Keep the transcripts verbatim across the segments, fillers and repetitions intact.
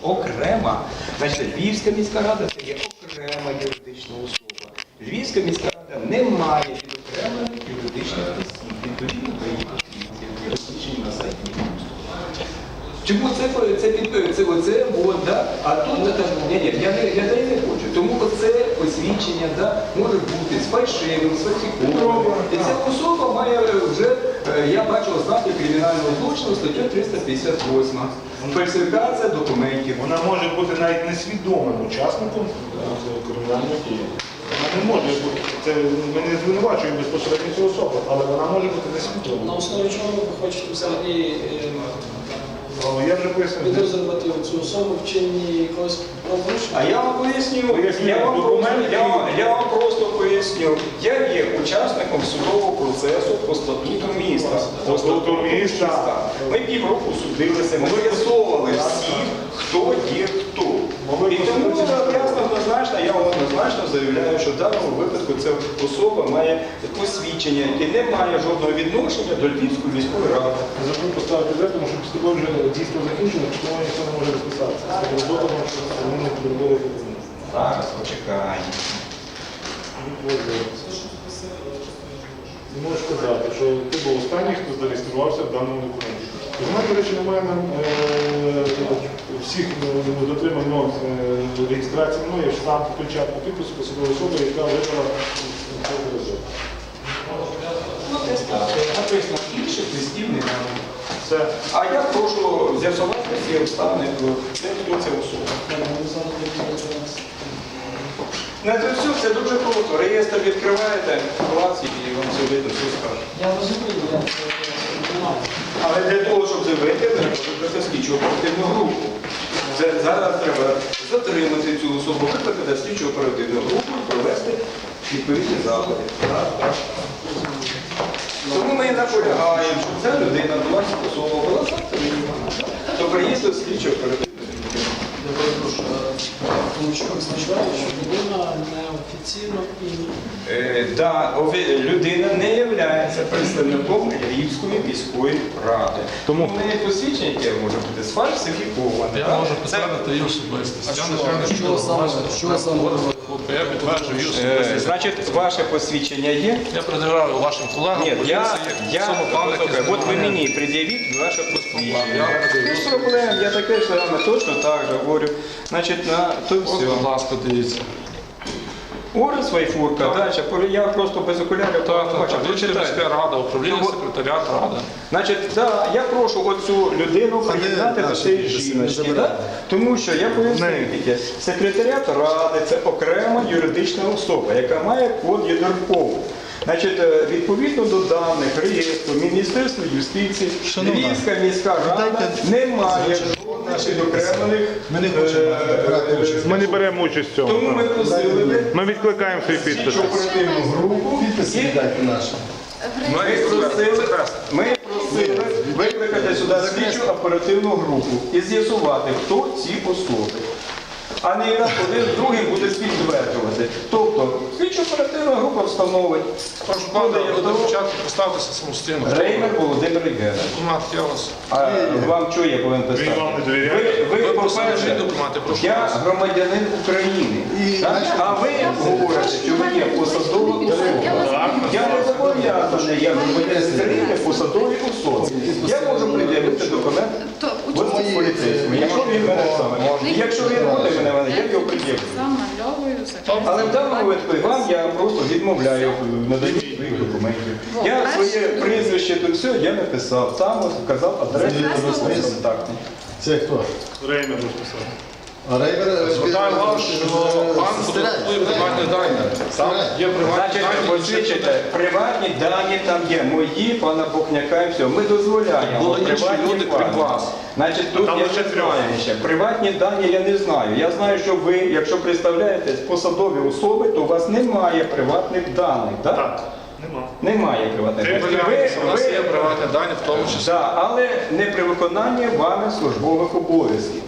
окрема. Значить, Львівська міська рада це є окрема юридична особа. Львівська міська рада не має відокремлених юридичних осіб. Відповідно до її посвідчень, розміщені на сайті Мін'юсту. Чому це, це, це, це оце, от, да? А тут, ні, ні, я не, я не хочу. Тому оце посвідчення, да, може бути з фальшивим, з фальсифікованим. І ця особа має вже, я бачу ознаки кримінального злочину, статтю триста п'ятдесят восьму. Фальсифікація документів. Вона може бути навіть несвідомим учасником кримінальної дії. Вона не може бути, це, ми не звинувачуємо безпосередньо цю особу, але вона може бути несвідомою. На основі чого ви хочете взагалі Я вже пояснив. підозрювати цю особу в чині якогось правопорушення? А я вам поясню, Поясню, я вам, документ, я, вам, я вам просто поясню. Я є учасником судового процесу по статуту міста. По статуту міста. Ми півроку судилися, ми з'ясовували всіх, хто є хто. І тому ясно, однозначно, я вам однозначно заявляю, що в даному випадку ця особа має посвідчення, яке не має жодного відношення до Львівської міської ради. Забув поставити де, тому що після того вже дійсно закінчено, що ніхто не може розписатися. З робота, тому що вони не підробили документи. Зараз, почекай. Не можу сказати, що ти був останній, хто зареєструвався в даному документі. У мене, до речі, немає нам всіх дотримань норм реєстрації мною, штамп, печатку підпису посадової особи, яка вибрала цей резерв. Ну, десь так. Написано, інших листів немає. Все. А я прошу з'ясувати всі обставини, де хто ця особа. Не це все, це дуже просто. Реєстр відкриваєте, клас, і вам все видно, все скаже. Я розумію, я це знаю. Але для того, щоб це вийти, треба викликати слідчу оперативну групу. Це зараз треба затримати цю особу, викликати слідчу оперативну групу і провести відповідні заходи. Так, так. Тому ми і наполягаємо, щоб ця людина до вас особа була затримана. То приїзду слідчу оперативну групу. Тому що означає, що людина неофіційно і Е, да, офі- людина не є представником Львівської міської ради. Тому в неї посвідчення, яке може бути сфальсифіковане. Я так? можу Це- підтвердити її особистість. Я не що- що саме- що саме Я підтверджую її Е, особистість. Значить, ваше посвідчення є? Я пред'являю вашим колегам. Ні, я, поліції, я, самопалики, послухай, от ви знімаю. мені пред'явіть ваше посвідчення. Я Без проблем, я таке ж саме точно так же говорю. Значить, на то От, все. будь ласка, дивіться. Орес Вайфурка, далі, я просто без окулярів Так, так, бачу. так. Вічна Прочитайте. міська рада, управління Ну, от- секретаріат ради. Значить, да, я прошу оцю людину приєднати до цієї жіночки, да? Тому що я поясню тільки, секретаріат ради це окрема юридична особа, яка має код ЄДРПОВ. Значить, е, відповідно до даних реєстру Міністерства юстиції, Львівська міська рада не має жодних відокремлених. Ми не хочемо брати участь. Ми не беремо участь в Тому цьому. ми просили би Ми відкликаємо свої слідчу підписи. оперативну групу. Підписи і віддайте наші. Ми просили, ми просили викликати сюди слідчу оперативну групу і з'ясувати, хто ці особи. А не раз один з другим буде підтверджувати. Тобто, слідчо оперативна група встановить. Прошу пана, ви до початку поставтеся самостійно. Реймер Володимир Євгенович. Документ, я вас. А вам що я повинен писати? Він вам не довіряє? Ви, ви, Ви по-перше, просили документи, прошу я вас. громадянин України. І так? наші- А ви говорите, що ви є посадова особа. Я не зобов'язаний, я громадянин України посадовій особі. Я можу пред'явити документ То ось участь цим поліцейським. Якщо він мене саме. І якщо він буде мене, я його пред'явлю. замальовую Але в даному випадку вам я просто відмовляю в наданні своїх документів. Я своє прізвище то все, я написав. Там от вказав адресу свої контакти. Це хто? Реймер розписав. А Рейвер... Звертаю вас, що пан фотографує приватні дані. Там є приватні Значить, дані. посвідчите, приватні дані там є, мої, пана Бухняка і все. Ми дозволяємо. Були інші приватні люди, крім дані. вас. Значить, тут там я лише не трьох. знаю ще. Приватні дані я не знаю. Я знаю, що ви, якщо представляєтесь посадові особи, то у вас немає приватних даних. Так? Так, нема. Немає приватних Ти даних. Помиляєтеся, у нас ви- є приватні дані, в тому числі. Да, але не при виконанні вами службових обов'язків.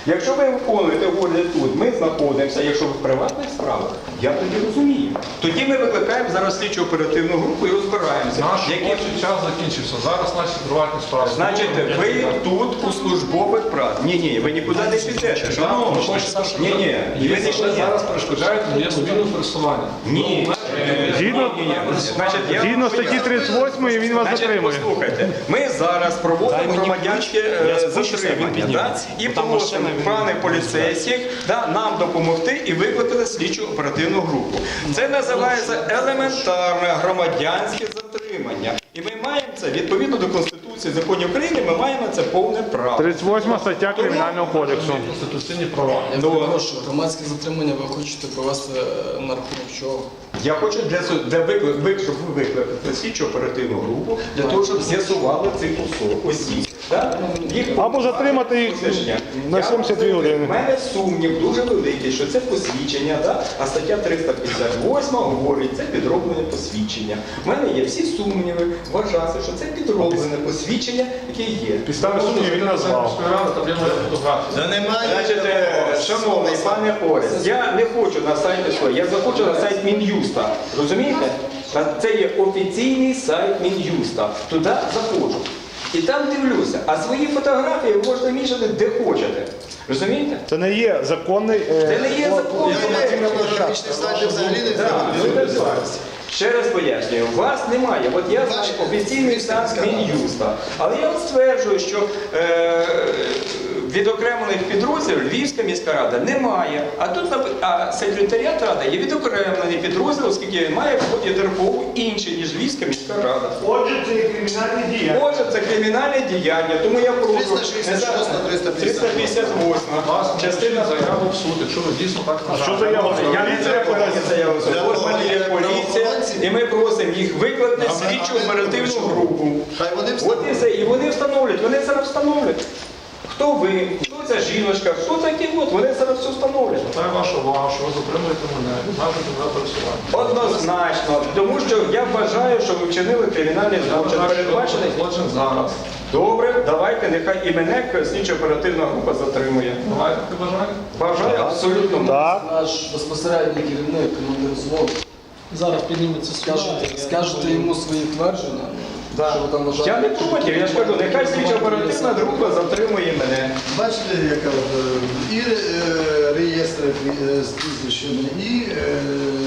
Якщо ви виконуєте говорите тут, ми знаходимося, якщо ви в приватних справах, я тоді розумію. Тоді ми викликаємо зараз слідчу оперативну групу і розбираємося. Наш які- робочий час закінчився. Зараз наші приватні справи. Значить, ви тут у службових прав. Ні, ні, ви нікуди не підете. Шановні, ні, ні, ви Ви нікуди. зараз перешкоджаєте моєму вільному пересуванню. Ні. Згідно- Ні, ні, ні. Значить, я Згідно вам статті поясню. тридцять восьмої він вас Значить, затримує. послухайте, ми зараз проводимо громадянське е, спущуся, затримання, він да? підніметься. І Там просимо машина, він- пане поліцейських да, нам допомогти і викликати слідчу оперативну групу. Це називається елементарне громадянське затримання. І ми маємо це, відповідно до Конституції, законів України, ми маємо це повне право. тридцять восьма стаття Кримінального кодексу. Конституційні права. Я Ну, перепрошую, громадське затримання ви хочете провести е, на рахунок чого? Я хочу для, су- для виклик, вик- щоб ви викликали слідчу оперативну групу для того, щоб з'ясували цих особ, осіб. Да? Їх Або затримати їх посвідчення. на Я сімдесят дві розумію, години. в мене сумнів дуже великий, що це посвідчення, да? А стаття триста п'ятдесят восьма говорить, це підроблене посвідчення. У мене є всі сумніви вважати, що це підроблене посвідчення, яке є. Підстави сумнів він назвав. Там є моя фотографія. Та немає. Значить, е, шановний пане Орес, я не хочу на сайті що, я захочу на сайт Мін'юста. Розумієте? Та Це є офіційний сайт Мін'юста. Туди заходжу. І там дивлюся. А свої фотографії ви можете мішати де хочете. Розумієте? Це не є законний. е, Це не є закон. Інформаційно-фотографічний сайт взагалі не Так, ну, це так. Ще раз пояснюю, вас немає. От я знаю офіційний сайт Мін'юста. Але я от стверджую, що е, відокремлених підрозділів Львівська міська рада не має. А тут напи- а секретаріат ради є відокремлений підрозділ, оскільки він має в ході ДРПУ інший, ніж Львівська міська рада. Отже, це є кримінальні дії. Отже, це кримінальне діяння, тому я прошу триста шістдесят шоста, триста триста п'ятдесят восьма Вас частина частина заяву в суд, якщо ви дійсно так Що вважаєте. заява? Я не треба подати заяву. Для От того, є як поліція, правоохоронці- і ми просимо їх викликати А ми- слідчу а ми оперативну що? групу. Хай вони От і встановлюють. все. І вони встановлять, вони зараз встановлять. Хто ви, хто ця жіночка, хто такі от, вони зараз все встановлять. Звертаю вашу увагу, що ви затримуєте мене, обмежуєте мене пересування. Однозначно, тому що я вважаю, що ви вчинили кримінальний Я злочин, вважаю, що передбачений. це злочин зараз. Добре, давайте, нехай і мене слідчо оперативна група затримує. Давайте ти бажаєте. Бажаю абсолютно. Так. Наш безпосередній керівник, командир взводу. Зараз підніметься Скажете, скажете, скажете йому свої твердження, Да. що ви там вважаєте. Я не проти, я ж кажу, нехай слідчо оперативна група затримує мене. Бачите, яка от, е, і е, реєстри е, з прізвищами, і е,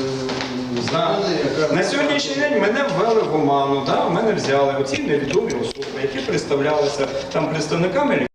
закони, яка... На сьогоднішній день мене ввели в оману, да? мене взяли оці невідомі особи, які представлялися там представниками